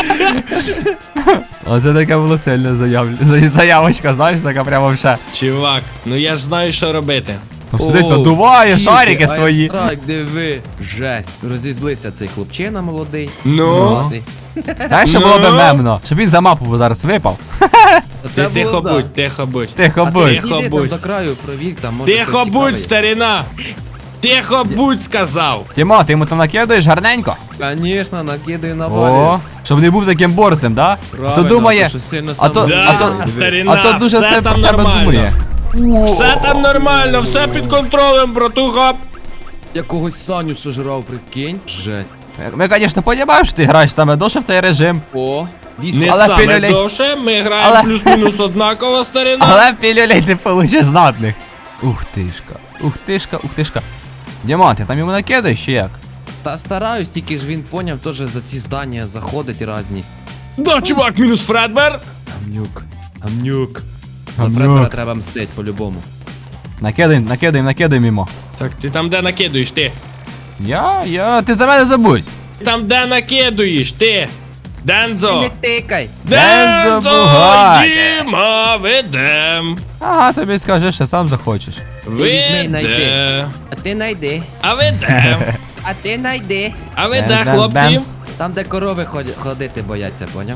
Speaker 1: Оце така була сильна заяв... за- заявочка, знаєш, така прямо вже.
Speaker 2: Чувак, ну я ж знаю, що робити.
Speaker 1: Там сидить, надуває шарики свої.
Speaker 3: Страйк, диви. Жесть. Розізлився цей хлопчина молодий.
Speaker 2: Ну?
Speaker 3: Молодий.
Speaker 1: Знаєш, що
Speaker 2: Ну?
Speaker 1: було би мемно? Щоб він за мапу зараз випав.
Speaker 2: Ти
Speaker 3: Оце
Speaker 2: тихо
Speaker 3: було, да.
Speaker 2: будь, тихо будь.
Speaker 1: Тихо
Speaker 3: А ти
Speaker 1: будь.
Speaker 2: Тихо
Speaker 3: йди там
Speaker 2: будь.
Speaker 3: до краю, провір, там може
Speaker 2: Тихо
Speaker 3: щось цікаве.
Speaker 2: будь, старина! Тихо будь, сказав!
Speaker 1: Тімо, ти йому там накидаєш гарненько?
Speaker 3: Конечно, накидаю на
Speaker 1: О,
Speaker 3: валі.
Speaker 1: щоб не був таким борцем, да? А то
Speaker 3: Правильно,
Speaker 1: думає,
Speaker 3: то що сильно
Speaker 1: а то,
Speaker 3: сам-
Speaker 1: а то,
Speaker 2: Да, старина,
Speaker 1: а то дуже
Speaker 2: все
Speaker 1: все
Speaker 2: там
Speaker 1: про себе
Speaker 2: нормально.
Speaker 1: думає.
Speaker 2: Все там нормально, все під контролем, братуха.
Speaker 3: Якогось Саню сожрав, прикинь. Жесть.
Speaker 1: Ми, звісно, розуміємо, що ти граєш саме довше в цей режим,
Speaker 3: О, дійсно.
Speaker 2: Не
Speaker 1: Але
Speaker 2: саме
Speaker 1: пілюлей-
Speaker 2: довше, ми граємо
Speaker 1: Але-
Speaker 2: плюс-мінус однаково, старина.
Speaker 1: але пілюлей ти получиш знатних. Ух тишка, ух тишка, ух тишка. Дімон, ти там йому накидаєш чи як?
Speaker 3: Та стараюсь, тільки ж він поняв, теж за ці здання заходить разні.
Speaker 2: Да, чувак, мінус Фредбер.
Speaker 3: Амнюк. Амнюк. За
Speaker 1: Амнюк.
Speaker 3: Фредбера треба мстить по-любому.
Speaker 1: Накидаємо, накидаємо, накидаємо йому.
Speaker 2: Так, ти там де накидуєш, ти?
Speaker 1: Я, я, ти за мене забудь.
Speaker 2: Там де накидуєш, ти? Дензо!
Speaker 3: тикай!
Speaker 1: Дензо
Speaker 2: Дензо!
Speaker 1: Бугатті.
Speaker 2: Діма, ведем!
Speaker 1: Ага, тобі скажеш, що сам захочеш.
Speaker 3: візьми і найди.
Speaker 2: Веде!
Speaker 3: А ти найди.
Speaker 2: А ведем!
Speaker 3: А ти найди.
Speaker 2: А веде,
Speaker 1: Бемс, бемс,
Speaker 2: хлопці!
Speaker 1: бемс.
Speaker 3: Там, де корови ходять- ходити бояться, поняв?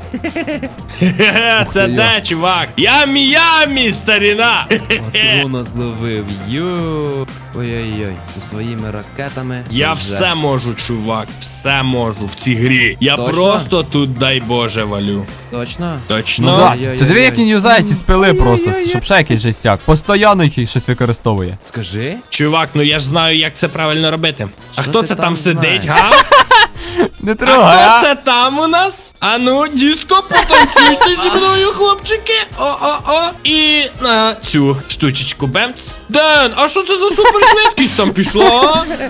Speaker 2: Хе-хе, Це
Speaker 3: Ух ти,
Speaker 2: де, чувак? Ямі-ямі, старіна!
Speaker 3: Патрона зловив, йо. Ой-ой-ой, зі своїми ракетами. це
Speaker 2: Я
Speaker 3: жесть.
Speaker 2: все можу, чувак, все можу в цій грі. Я
Speaker 3: Точно?
Speaker 2: просто тут, дай Боже, валю.
Speaker 3: Точно?
Speaker 1: Ну
Speaker 2: Точно?
Speaker 1: да,
Speaker 3: Ой-ой-ой.
Speaker 1: ти диви, як він юзає ці спили просто,
Speaker 3: Ой-ой-ой.
Speaker 1: щоб ще якийсь жестяк. Постоянно їх щось використовує.
Speaker 3: Скажи.
Speaker 2: Чувак, ну я ж знаю, як це правильно робити. А
Speaker 3: Що
Speaker 2: хто
Speaker 3: ти
Speaker 2: це
Speaker 3: там
Speaker 2: там сидить,
Speaker 3: знаєш?
Speaker 2: га?
Speaker 1: Не
Speaker 2: А
Speaker 1: трогай,
Speaker 2: хто це там у нас? А ну, диско, потанцюйте зі мною, хлопчики. О-о-о. І на цю штучечку бемц. Ден, а що це за супершвидкість там пішла? а?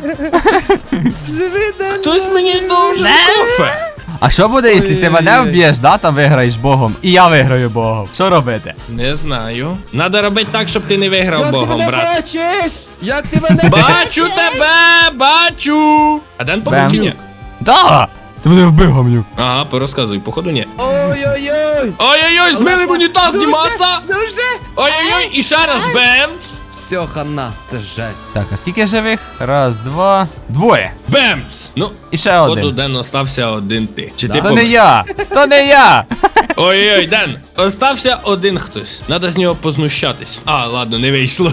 Speaker 3: Живи, да.
Speaker 2: Хтось мені должен кофе.
Speaker 1: А що буде, якщо ти мене
Speaker 3: Ой-ой-ой.
Speaker 1: вб'єш, да, там виграєш богом, і я виграю богом? Що робити?
Speaker 2: Не знаю. Надо робити так, щоб ти не виграв
Speaker 3: Як ти
Speaker 2: богом,
Speaker 3: мене
Speaker 2: брат.
Speaker 3: бачиш? Як ти мене
Speaker 2: Бачу тебе, бачу. А Ден
Speaker 1: Бемс.
Speaker 2: побачив?
Speaker 1: Да! Ти мене вбив, гамнюк.
Speaker 2: Ага, порозказуй, походу ні.
Speaker 3: Ой-ой-ой.
Speaker 2: Ой-ой-ой, змили в унітаз
Speaker 3: Дуже,
Speaker 2: Дімаса.
Speaker 3: Дуже.
Speaker 2: Ой-ой-ой, і ще раз бемц.
Speaker 3: Все, все, хана, це жесть.
Speaker 1: Так, а скільки живих? Раз, два, двоє.
Speaker 2: Бемц! Ну,
Speaker 1: І ще
Speaker 2: походу,
Speaker 1: один.
Speaker 2: Ден, остався один ти. Чи
Speaker 3: Да?
Speaker 2: ти
Speaker 1: То не
Speaker 2: помер?
Speaker 1: я! То не я!
Speaker 2: Ой-ой, Ден, остався один хтось. Надо з нього познущатись. А, ладно, не вийшло.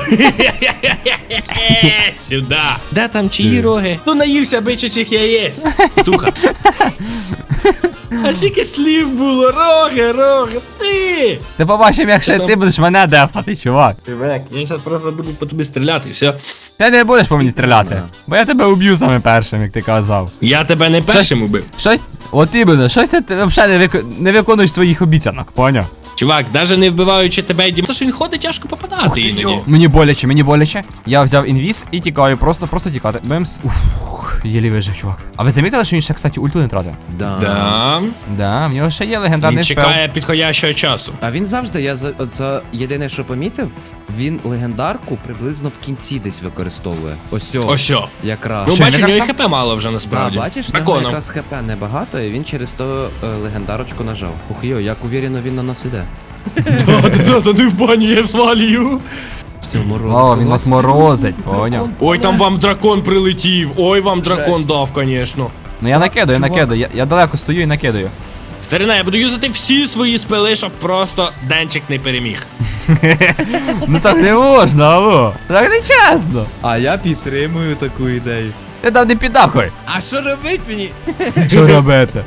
Speaker 2: Сюда. Де там чиї роги? Ну наївся бичачих яєць. Туха. А скільки слів було, роги, роги, ти!
Speaker 1: Ти побачив, як ще
Speaker 2: Сам-
Speaker 1: ти будеш мене дефати, чувак.
Speaker 2: Чувак, я зараз просто буду по тобі стріляти, і все.
Speaker 1: Ти не будеш по мені стріляти. Бо я тебе уб'ю саме першим, як ти казав.
Speaker 2: Я тебе не першим убив.
Speaker 1: Щось. От іменно, щось ти взагалі не, вик... не виконуєш своїх обіцянок, поняв?
Speaker 2: Чувак, навіть не вбиваючи тебе, Дім, тому що він ходить тяжко попадати іноді.
Speaker 1: Мені боляче, мені боляче. Я взяв інвіз і тікаю, просто, просто тікати. Бемс. Ух, єлі вижив, чувак. А ви замітили, що він ще, кстати, ульту не тратив?
Speaker 3: Да.
Speaker 2: Да.
Speaker 1: Да, в нього ще є
Speaker 2: Він
Speaker 1: легендарний спел.
Speaker 2: чекає підходящого часу.
Speaker 3: А він завжди, я за, от за єдине, що помітив, він легендарку приблизно в кінці десь використовує. Ось о,
Speaker 2: Ось що.
Speaker 3: якраз.
Speaker 2: Ну,
Speaker 1: Що,
Speaker 2: бачу, у
Speaker 1: якраз
Speaker 2: нього і
Speaker 1: там?
Speaker 2: хп мало вже
Speaker 3: Да,
Speaker 2: насправді.
Speaker 3: бачиш, в нього
Speaker 2: Драконом.
Speaker 3: якраз хп небагато, і він через то е, легендарочку нажав. Ух йо, як уверено він на нас іде.
Speaker 2: Та ти в бані, я свалюю.
Speaker 3: Все, мороз.
Speaker 1: О, він нас морозить, поняв.
Speaker 2: Ой, там вам дракон прилетів. Ой, вам дракон
Speaker 3: Жесть.
Speaker 2: дав, конечно.
Speaker 1: Ну я накидаю,
Speaker 3: чувак.
Speaker 1: накидаю. Я, я далеко стою і накидаю.
Speaker 2: Старина, я буду юзати всі свої спели, щоб просто Денчик не переміг.
Speaker 1: Ну так не можна, алло. Так не чесно.
Speaker 3: А я підтримую таку ідею.
Speaker 1: Ти там не підахуй.
Speaker 3: А що робить мені?
Speaker 1: Що робити?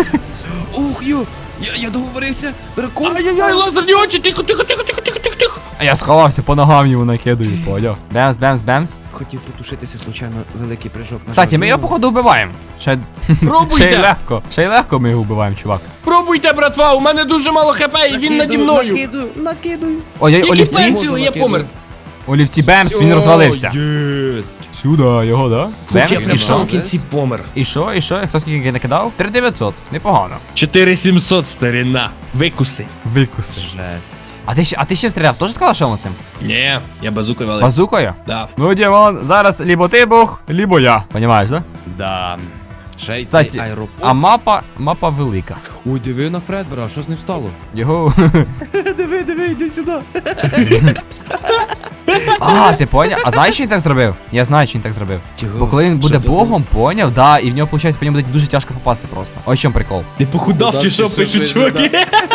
Speaker 3: Ух йо, я, я договорився, дракон.
Speaker 2: Ай-яй-яй, лазерні очі, тихо, тихо, тихо, тихо, тихо, тихо, тихо.
Speaker 1: А я сховався, по ногам йому накидаю, поняв. Бемс, бемс, бемс.
Speaker 3: Хотів потушитися, случайно, великий прыжок.
Speaker 1: Кстати, ми його походу вбиваємо. Ще,
Speaker 2: Пробуйте.
Speaker 1: ще й легко. Ще й легко ми його вбиваємо, чувак.
Speaker 2: Пробуйте, братва, у мене дуже мало хп, і він наді мною.
Speaker 3: Накидую, накидую.
Speaker 1: Ой, ой,
Speaker 2: Який
Speaker 1: олівці.
Speaker 2: пенсіл, я помер.
Speaker 1: Олівці, бемс, він розвалився.
Speaker 3: Єсть.
Speaker 1: Сюди, його, да?
Speaker 2: Я
Speaker 1: Бемс,
Speaker 2: прям
Speaker 1: і
Speaker 2: в
Speaker 1: що?
Speaker 2: самому кінці помер.
Speaker 1: І що, і що? Хто скільки накидав? три дев'ятсот. Непогано.
Speaker 2: чотири сімсот, старина. Викуси.
Speaker 1: Викуси.
Speaker 3: Жесть.
Speaker 1: А ти ще, а ти ще стріляв? Теж сказав, що цим?
Speaker 2: Ні, я базукою валив.
Speaker 1: Базукою?
Speaker 2: Да.
Speaker 1: Ну, Дімон, зараз лібо ти бух, лібо я. Понімаєш, да?
Speaker 3: Да. Ще й
Speaker 1: Кстати,
Speaker 3: цей аеропорт.
Speaker 1: а мапа, мапа велика.
Speaker 3: Ой, диви на Фредбера, що з ним стало?
Speaker 1: Його.
Speaker 3: Диви, диви, йди сюди.
Speaker 1: А, ти поняв? А знаєш, що він так зробив? Я знаю, що він так зробив.
Speaker 3: Чого?
Speaker 1: Бо коли він буде
Speaker 3: Що ти
Speaker 1: богом, поняв, да, і в нього, виходить, по ньому буде дуже тяжко попасти просто. Ось в чому прикол.
Speaker 2: Ти похудав чи що, пишуть чуваки?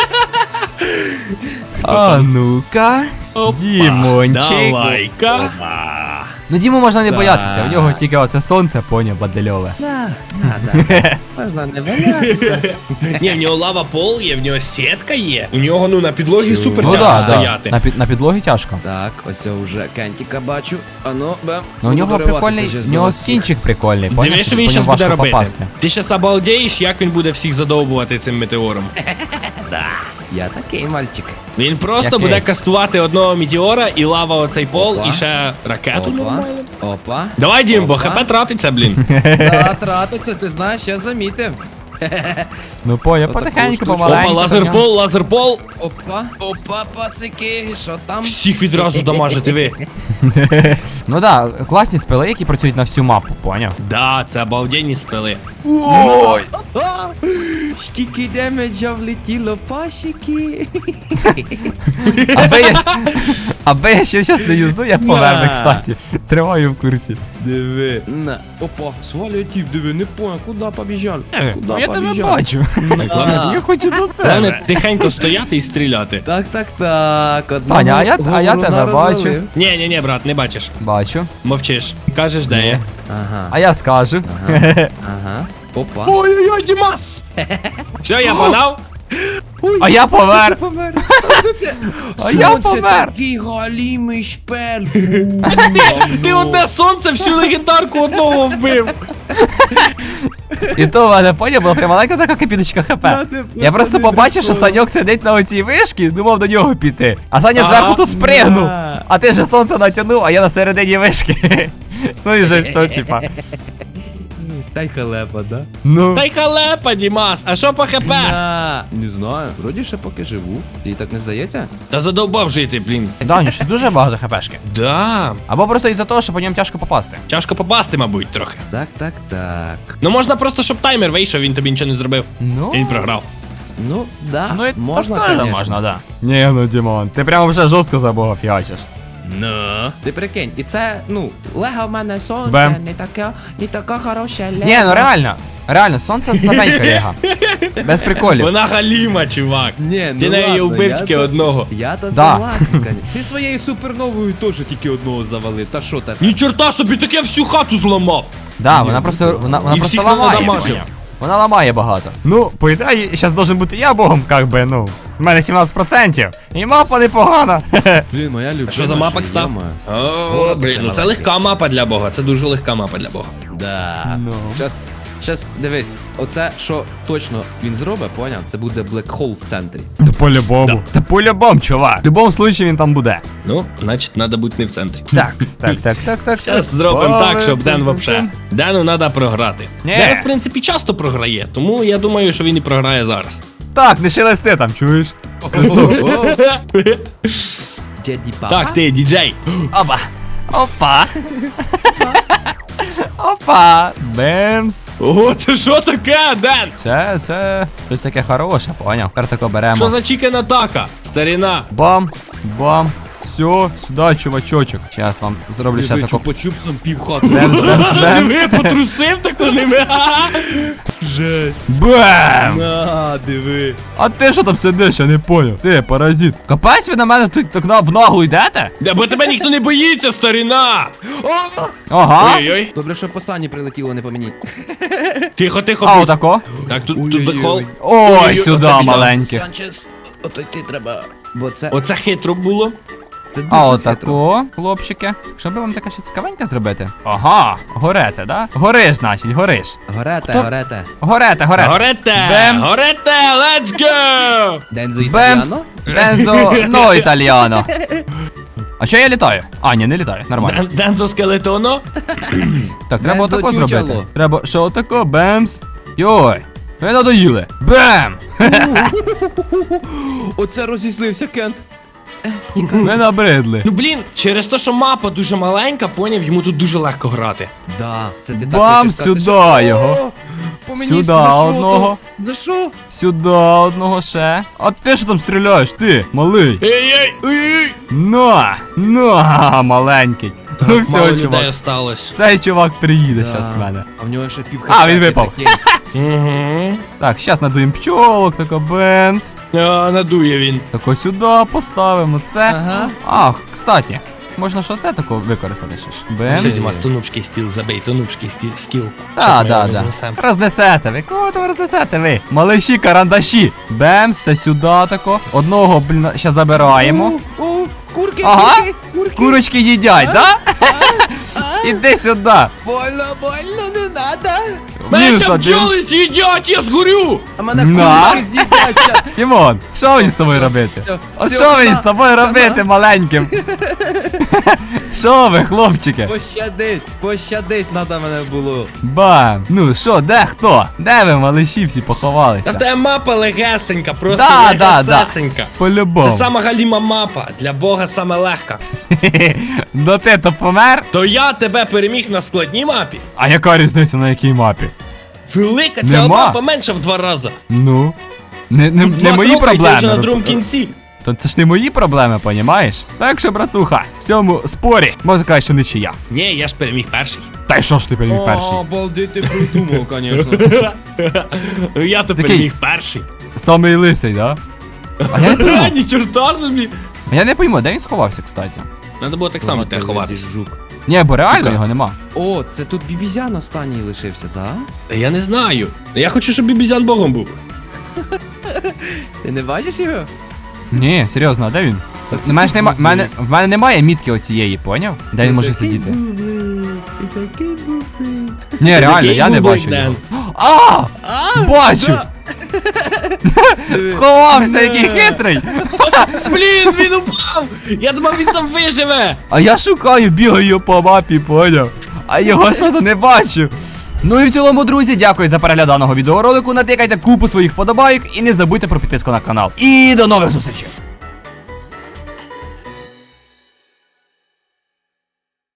Speaker 1: А ну-ка. Дімончик.
Speaker 2: Давай-ка.
Speaker 1: Ну Діму можна не
Speaker 3: Так.
Speaker 1: боятися, у нього тільки оце сонце, поняв, бадельове.
Speaker 3: Да, да, да. Можна не боятися.
Speaker 2: Ні, в нього лава пол є, в нього сітка є. У нього, ну, на підлогі
Speaker 3: Чу.
Speaker 2: супер
Speaker 1: Ну
Speaker 2: тяжко
Speaker 1: да, да.
Speaker 2: стояти.
Speaker 1: На, під, на підлогі тяжко.
Speaker 3: Так, ось я вже Кентіка бачу. Ану, бем.
Speaker 1: Ну у нього прикольний, у нього скінчик прикольний, поняв,
Speaker 2: Диви, що
Speaker 1: по
Speaker 2: він
Speaker 1: ньому
Speaker 2: зараз буде
Speaker 1: важко
Speaker 2: робити.
Speaker 1: попасти.
Speaker 2: Ти щас обалдеєш, як він буде всіх задовбувати цим метеором.
Speaker 3: Я такий мальчик.
Speaker 2: Він просто
Speaker 1: Який?
Speaker 2: буде кастувати одного метеора і лава оцей пол,
Speaker 3: Опа.
Speaker 2: і ще ракету.
Speaker 3: Опа, опа.
Speaker 2: Давай, Дім, бо
Speaker 3: Опа.
Speaker 2: хп тратиться, блін.
Speaker 3: Да, тратиться, ти знаєш, я замітив.
Speaker 1: Ну поняв,
Speaker 3: Отаку
Speaker 1: потихеньку,
Speaker 3: штучку.
Speaker 1: помаленьку.
Speaker 2: Опа, лазерпол, лазерпол.
Speaker 3: Опа, опа, пацики, що там?
Speaker 2: Всіх відразу дамажити ви.
Speaker 1: Ну да, класні спели, які працюють на всю мапу, поняв?
Speaker 2: Да, це обалденні спили.
Speaker 1: Ой!
Speaker 3: А, скільки демеджа влетіло, пашики.
Speaker 1: Аби я, аби я ще щас не юзну, я помер,
Speaker 3: На.
Speaker 1: кстати. Тримаю в курсі.
Speaker 3: Диви. На. Опа, свалює тип, диви, не понял, куди побіжав? Куди
Speaker 1: Ну, я тебе
Speaker 3: побіжав?
Speaker 1: бачу.
Speaker 3: На.
Speaker 1: Я хочу до тебе.
Speaker 2: Головне тихенько стояти і стріляти.
Speaker 3: Так, так, так. одного
Speaker 1: Саня, а я- а я
Speaker 3: говоруна
Speaker 1: тебе бачу.
Speaker 3: розвалив.
Speaker 2: Ні, ні, ні, брат, не бачиш.
Speaker 1: Бачу.
Speaker 2: Мовчиш. Кажеш, де я.
Speaker 3: Ага,
Speaker 1: А я скажу.
Speaker 3: ага. Опа.
Speaker 2: Ой-ой-ой, Дімас! Все, я подав?
Speaker 1: А я помер.
Speaker 3: Це помер. Хто це?
Speaker 1: А я
Speaker 3: Сонце
Speaker 1: помер.
Speaker 3: такий галімий шпель.
Speaker 2: Ти одне сонце всю легендарку одного вбив.
Speaker 1: І то в мене поняв, була прям маленька така капіточка хп. Я просто побачив, що Саньок сидить на оцій вишці, думав до нього піти. А Саня
Speaker 2: Ага.
Speaker 1: зверху то спригнув.
Speaker 3: Да.
Speaker 1: А ти же сонце натягнув, а я на середині вишки. Ну і вже все, типа.
Speaker 3: Та й халепа, да?
Speaker 1: Ну.
Speaker 2: Та й халепа, Дімас, а що по хп?
Speaker 3: На. Не знаю, вроді ще поки живу. Тобі так не здається?
Speaker 2: Та задовбав жити, блін.
Speaker 1: Да, у нього щось дуже багато хпшки.
Speaker 2: Да.
Speaker 1: Або просто із-за того, що по ньому тяжко попасти.
Speaker 2: Тяжко попасти, мабуть, трохи.
Speaker 3: Так, так, так.
Speaker 2: Ну можна просто, щоб таймер вийшов, він тобі нічого не зробив.
Speaker 1: Ну.
Speaker 2: І він програв.
Speaker 3: Ну, да,
Speaker 1: Ну і
Speaker 3: можна,
Speaker 1: так теж
Speaker 3: конечно.
Speaker 1: можна, да. Ні, ну Дімон, ти прямо вже жорстко за бога фігачиш.
Speaker 3: Ну. Ти прикинь, і це, ну, лего в мене сонце,
Speaker 1: Бем.
Speaker 3: не така, не така хороша лего.
Speaker 1: Ні, ну реально. Реально, сонце слабенька ліга. Без приколів.
Speaker 2: Вона галіма, чувак.
Speaker 3: Ні, ну
Speaker 2: Ти неї
Speaker 3: ладно,
Speaker 2: вбив
Speaker 3: я
Speaker 2: тільки
Speaker 3: то-
Speaker 2: одного.
Speaker 3: Я то
Speaker 1: Да.
Speaker 3: согласен, конечно. Ти своєю суперновою теж тільки одного завалив, та що тепер?
Speaker 2: Ні чорта собі, так я всю хату зламав.
Speaker 1: Да, вона просто, вона, вона
Speaker 2: І
Speaker 1: просто
Speaker 2: всіх
Speaker 1: ламає.
Speaker 2: надамажив.
Speaker 1: поняв? Вона ламає багато. Ну, по ідеї, зараз должен бути я богом, как би, ну. У мене сімнадцять відсотків. І мапа непогана.
Speaker 3: Блін, моя любима.
Speaker 2: Що за мапа, кстати? О, блін, ну це легка мапа для бога, це дуже легка мапа для бога.
Speaker 3: Да.
Speaker 1: Ну.
Speaker 3: Щас, щас, дивись, оце, що точно він зробить, поняв? Це буде блекхол в центрі.
Speaker 1: Ну, по-любому. Це по-любому, чувак. В будь-якому случаї він там буде.
Speaker 2: Ну, значить, треба бути не в центрі.
Speaker 1: Так, так, так, так, так.
Speaker 2: Зараз зробимо так, щоб Ден вообще. Дену треба програти.
Speaker 1: Ні.
Speaker 2: Ден, в принципі, часто програє, тому я думаю, що він і програє зараз.
Speaker 1: Так, не шелести там, чуєш?
Speaker 3: Дяді папа?
Speaker 2: Так, ти, діджей.
Speaker 1: Опа. Опа. Опа. Бемс.
Speaker 2: О, це що таке, Ден?
Speaker 1: Це, це щось таке хороше, поняв? Тепер тако беремо.
Speaker 2: Що за чікен атака? Старіна.
Speaker 1: Бам, бам. Все, сюди, чувачочок. Зараз вам зроблю ще
Speaker 3: Ви
Speaker 1: таку.
Speaker 3: чупа-чупсом пів хати.
Speaker 1: Бемс, бемс, бемс.
Speaker 2: Диви, потрусив тако ними.
Speaker 3: Жесть.
Speaker 1: Бем!
Speaker 3: На, диви.
Speaker 1: А ти що там сидиш, я не поняв. Ти, паразит. Капець ви на мене так, так на, в ногу йдете?
Speaker 2: Да, бо тебе ніхто не боїться, старіна.
Speaker 3: О!
Speaker 1: Ага.
Speaker 2: Ой-ой.
Speaker 3: Добре, що по сані прилетіло, не по мені.
Speaker 2: Тихо, тихо.
Speaker 1: А
Speaker 2: будь.
Speaker 1: отако.
Speaker 2: Так, тут, тут
Speaker 3: Ой-ой-ой.
Speaker 2: бекхол.
Speaker 1: Ой,
Speaker 2: Ой-ой,
Speaker 1: сюди,
Speaker 2: оце біда.
Speaker 1: маленьких.
Speaker 3: Санчес, ото йти треба. Бо це,
Speaker 2: Оце хитро було.
Speaker 3: це дуже
Speaker 1: А
Speaker 3: хитро.
Speaker 1: отако, хлопчики. Що би вам таке ще цікавеньке зробити? Ага, горете, да? Гориш, значить, гориш.
Speaker 3: Горете,
Speaker 1: Хто?
Speaker 3: горете.
Speaker 1: Горете, горете.
Speaker 2: Горете!
Speaker 1: Бем.
Speaker 2: Горете! Let's go!
Speaker 3: Дензо
Speaker 1: Бемс,
Speaker 3: італіано.
Speaker 1: Дензо, но італіано. А що я літаю? А, ні, не літаю, нормально.
Speaker 2: Ден- Дензо скелетоно.
Speaker 1: Так, треба
Speaker 3: Дензо
Speaker 1: отако
Speaker 3: чучело.
Speaker 1: зробити. Треба, що отако, бемс. Йой, ви надоїли. Бем!
Speaker 3: Оце розізлився Кент.
Speaker 1: Ви набридли.
Speaker 2: Ну блін, через те, що мапа дуже маленька, поняв, йому тут дуже легко грати.
Speaker 3: Да, це ти так
Speaker 1: Бам,
Speaker 3: хочеш сказати,
Speaker 1: сюди
Speaker 3: що-
Speaker 1: його.
Speaker 3: О, по мені
Speaker 1: Сюди
Speaker 3: за що
Speaker 1: одного.
Speaker 3: то? За що?
Speaker 1: Сюди одного ще. А ти що там стріляєш, ти, малий?
Speaker 2: Ей-ей! Ей-ей!
Speaker 1: На, на, маленький. Ну
Speaker 2: Мало
Speaker 1: все,
Speaker 2: людей
Speaker 1: чувак.
Speaker 2: осталось.
Speaker 1: Цей чувак приїде
Speaker 3: Да.
Speaker 1: зараз в мене.
Speaker 3: А в нього ще пів
Speaker 1: А,
Speaker 3: хп,
Speaker 1: він
Speaker 3: ти
Speaker 1: випав.
Speaker 3: прикинь.
Speaker 2: Угу.
Speaker 1: Так, зараз надуємо пчолок, тако бемс.
Speaker 2: А, надує він.
Speaker 1: Тако сюди поставимо це.
Speaker 3: Ага.
Speaker 1: Ах, кстати, можна що це тако використати ще ж.
Speaker 2: Ще
Speaker 1: Бемс.
Speaker 2: зима, тонучки стіл забий, тонучки скіл.
Speaker 1: Да, да, да. Рознесете ви. Кого то ви рознесете ви? Малиші, карандаші. Бемс, це сюди тако. Одного, блін, ще забираємо.
Speaker 3: О, о, курки,
Speaker 1: Ага.
Speaker 3: курки, курки.
Speaker 1: Курочки їдять, да? Іди сюди.
Speaker 3: Больно, больно, не надо.
Speaker 2: Мене
Speaker 1: Мінус
Speaker 2: ще
Speaker 1: один.
Speaker 2: бджоли з'їдять, я згорю!
Speaker 3: А мене
Speaker 1: На.
Speaker 3: курки з'їдять щас.
Speaker 1: Тімон, що мені з тобою
Speaker 3: Все,
Speaker 1: робити?
Speaker 3: все,
Speaker 1: От
Speaker 3: все,
Speaker 1: що мені
Speaker 3: хана,
Speaker 1: з тобою
Speaker 3: хана.
Speaker 1: робити, маленьким? Що ви, хлопчики?
Speaker 3: Пощадить, пощадить надо мене було.
Speaker 1: Бам! Ну що, де хто? Де ви, малиші, всі
Speaker 2: Та в
Speaker 1: поховалися?
Speaker 2: тебе мапа легесенька, просто
Speaker 1: Да, да, да.
Speaker 2: легесенька.
Speaker 1: По-любому.
Speaker 2: Це сама галіма мапа, для бога саме легка.
Speaker 1: Ну ти то помер?
Speaker 2: То я тебе переміг на складній мапі.
Speaker 1: А яка різниця на якій мапі?
Speaker 2: Велика ця
Speaker 1: Нема.
Speaker 2: мапа менша в два рази.
Speaker 1: Ну. Не, не, не
Speaker 2: Два
Speaker 1: мої
Speaker 2: кроки, і ти вже на
Speaker 1: проблеми.
Speaker 2: другому кінці.
Speaker 1: То це ж не мої проблеми, понімаєш? Так що, братуха, в цьому спорі можна сказати, що нічия.
Speaker 2: Ні, я ж переміг перший.
Speaker 1: Та й що ж ти переміг перший?
Speaker 3: О, обалдеть, ти придумав, конечно.
Speaker 2: Я то
Speaker 1: Такий.
Speaker 2: переміг перший.
Speaker 1: Самий лисий, да? А я не
Speaker 2: А,
Speaker 1: пойму.
Speaker 2: ні чорта собі.
Speaker 1: А я не пойму, де він сховався, кстати.
Speaker 2: Надо було так само те ховатися.
Speaker 3: Жук.
Speaker 1: Ні, бо реально
Speaker 2: Сука.
Speaker 1: його нема.
Speaker 3: О, це тут бібізян останній лишився, так?
Speaker 2: Та я не знаю. Я хочу, щоб бібізян богом був.
Speaker 3: Ти не бачиш його?
Speaker 1: Ні, серйозно, а де він? В мене, ж нема, в, мене, в мене немає мітки оцієї, поняв? Де він може сидіти? Ні, реально,
Speaker 2: Такий
Speaker 1: я не
Speaker 2: бублик,
Speaker 1: бачу
Speaker 2: Ден.
Speaker 1: його. А! Бачу! Сховався, який хитрий!
Speaker 2: Блін, він упав! Я думав, він там виживе!
Speaker 1: А я шукаю, бігаю по мапі, поняв? А його що то не бачу. Ну і в цілому, друзі, дякую за перегляд даного відеоролику. Натикайте купу своїх вподобайок і не забудьте про підписку на канал. І до нових зустрічей!